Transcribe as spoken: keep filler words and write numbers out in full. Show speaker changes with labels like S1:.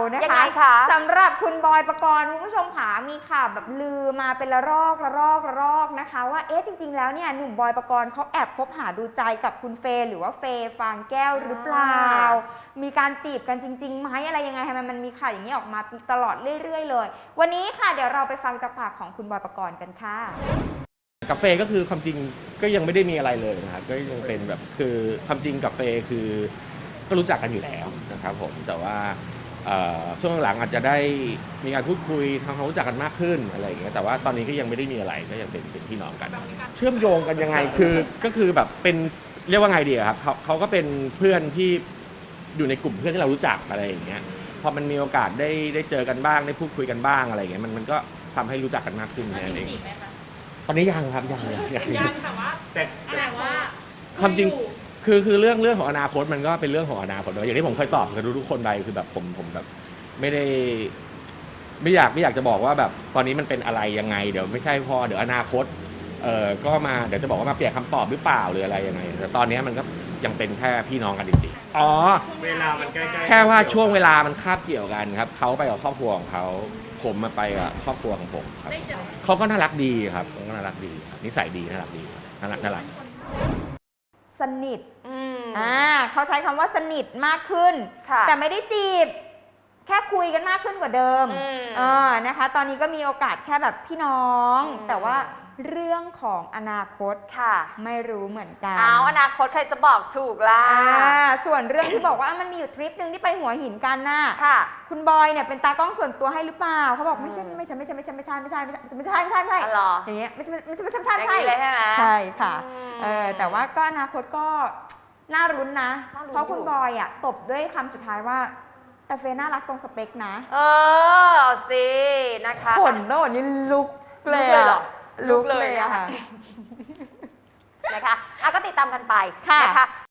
S1: นะคะ
S2: ยังไงคะ
S1: สำหรับคุณบอยปกรณ์คุณผู้ชมขามีข่าวแบบลือมาเป็นระลอกระลอกระลอกนะคะว่าเอ๊ะจริงๆแล้วเนี่ยหนุ่มบอยปกรณ์เขาแอบคบหาดูใจกับคุณเฟย์หรือว่าเฟย์ฟางแก้วหรือเปล่ามีการจีบกันจริงๆไหมอะไรยังไงทำไมมันมีข่าวอย่างนี้ออกมาตลอดเรื่อยๆเลยวันนี้ค่ะเดี๋ยวเราไปฟังจากปากของคุณบอยปกรณ์กันค่ะ
S3: กับเฟย์ก็คือความจริงก็ยังไม่ได้มีอะไรเลยนะครับก็ยังเป็นแบบคือความจริงกับเฟย์คือก็รู้จักกันอยู่แล้วนะครับผมแต่ว่าช่วงหลังอาจจะได้มีการพูดคุยทำความรู้จักกันมากขึ้นอะไรอย่างเงี้ยแต่ว่าตอนนี้ก็ยังไม่ได้มีอะไรก็ยังเป็นเป็นพี่น้องกันเชื่อมโยงกันยังไงคือก็คือแบบเป็นเรียกว่าไงดีครับเขาเขาก็เป็นเพื่อนที่อยู่ในกลุ่มเพื่อนที่เรารู้จักอะไรอย่างเงี้ยพอมันมีโอกาสได้ได้เจอกันบ้างได้พูดคุยกันบ้างอะไรอย่างเงี้ยมันมันก็ทำให้รู้จักกันมากขึ้นนั่นเองตอนนี้ยังครับยังยังยัง
S4: ยังแต่ว่าแต่แต่ว่า
S3: ความจริงคือคือเรื่องเรื่องของอนาคตมันก็เป็นเรื่องของอนาคตอย่างที่ผมเคยตอบกับทุกคนไปคือแบบผมผมแบบไม่ได้ไม่อยากไม่อยากจะบอกว่าแบบตอนนี้มันเป็นอะไรยังไงเดี๋ยวไม่ใช่พอเดี๋ยวอนาคตเอ่อก็มาเดี๋ยวจะบอกว่ามาเปลี่ยนคำตอบหรือเปล่าหรืออะไรยังไงแต่ตอนนี้มันก็ยังเป็นแค่พี่น้องกันจริงๆอ๋อ
S4: เวลามันใกล้ๆ
S3: แค่ว่าช่วงเวลามันคาบเกี่ยวกันครับเขาไปกับครอบครัวของเขาผมมาไปกับครอบครัวของผมครับเขาก็น่ารักดีครับเขาก็น่ารักดีนิสัยดีน่ารักดีน่ารักน่ารัก
S1: สนิทอ่าเขาใช้คำว่าสนิทมากขึ้นแต่ไม่ได้จีบแค่คุยกันมากขึ้นกว่าเดิมเออนะคะตอนนี้ก็มีโอกาสแค่แบบพี่น้องแต่ว่าเรื่องของอนาคตค่ะไม่รู้เหมือนกัน
S2: เอาอนาคตใครจะบอกถูกล่ะ
S1: ส่วนเรื่องที่บอกว่ามันมีอยู่ทริปหนึ่งที่ไปหัวหินกันน่ะ
S2: ค่ะ
S1: คุณบอยเนี่ยเป็นตากล้องส่วนตัวให้หรือเปล่าเขาบอกไม่ใช่ไม่ใช่ไม่ใช่ไม่ใช่ไม่ใช่ไม่ใช่ไม่ใช่ไม่ใช่ไม่ใช่ไม่ใช่อย่างเงี้ยไม่ใช่ไม่ใช่ไม่ใช่ไม่ใช่ไม่ใช่
S2: เลยใช่ไหม
S1: ใช่ค่ะเออแต่ว่าก็อนาคตก็น่ารุ้นนะเพราะคุณบอยอ่ะตบด้วยคำสุดท้ายว่าแต่เฟย์น่ารักตรงสเปคนะ
S2: เออเอาสินะคะ
S1: ขนโน่นนี่ลุกเลย
S2: เหรอ
S1: ลุกเลยอะค่ะ
S2: นะคะอ่ะก็ติดตามกันไป
S1: ค่ะ
S2: นะคะ